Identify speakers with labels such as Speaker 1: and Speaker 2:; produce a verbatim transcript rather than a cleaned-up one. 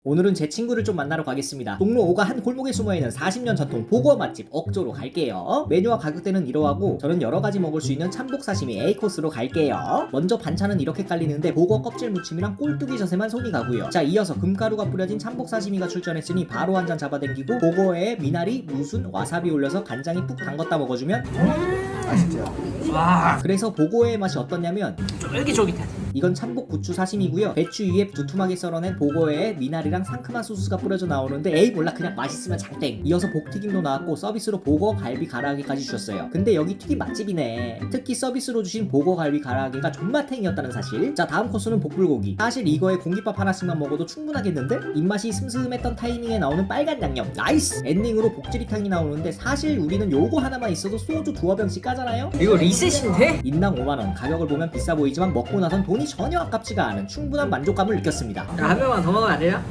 Speaker 1: 오늘은 제 친구를 좀 만나러 가겠습니다. 동로 오가 한 골목에 숨어있는 사십 년 전통 보거 맛집 억조로 갈게요. 메뉴와 가격대는 이러하고 저는 여러가지 먹을 수 있는 참복 사시미 A코스로 갈게요. 먼저 반찬은 이렇게 깔리는데 보거 껍질 무침이랑 꼴뚜기 젓에만 손이 가고요. 자, 이어서 금가루가 뿌려진 참복 사시미가 출전했으니 바로 한 잔 잡아당기고 보거에 미나리, 무순, 와사비 올려서 간장에 푹 담궜다 먹어주면
Speaker 2: 맛있죠?
Speaker 3: 와,
Speaker 1: 그래서 보거의 맛이 어떻냐면
Speaker 3: 쫄깃쫄깃해.
Speaker 1: 이건 참복 부추 사시미고요. 배추 위에 두툼하게 썰어낸 보거에 미나리랑 상큼한 소스가 뿌려져 나오는데 에이 몰라 그냥 맛있으면 장땡. 이어서 복튀김도 나왔고 서비스로 보거 갈비 가라아게까지 주셨어요. 근데 여기 튀김 맛집이네. 특히 서비스로 주신 보거 갈비 가라아게가 존맛탱이었다는 사실. 자, 다음 코스는 복불고기. 사실 이거에 공깃밥 하나씩만 먹어도 충분하겠는데? 입맛이 슴슴했던 타이밍에 나오는 빨간 양념 나이스! 엔딩으로 복지리탕이 나오는데 사실 우리는 요거 하나만 있어도 소주 두어 병씩 까잖아요?
Speaker 3: 이거 리셋인데?
Speaker 1: 인당 오만 원. 가격을 보면 비싸 보이지만 먹고 나선 돈이 전혀 아깝지가 않은 충분한 만족감을 느꼈습니다.
Speaker 3: 야, 한 명만 더 먹으면 안 돼요?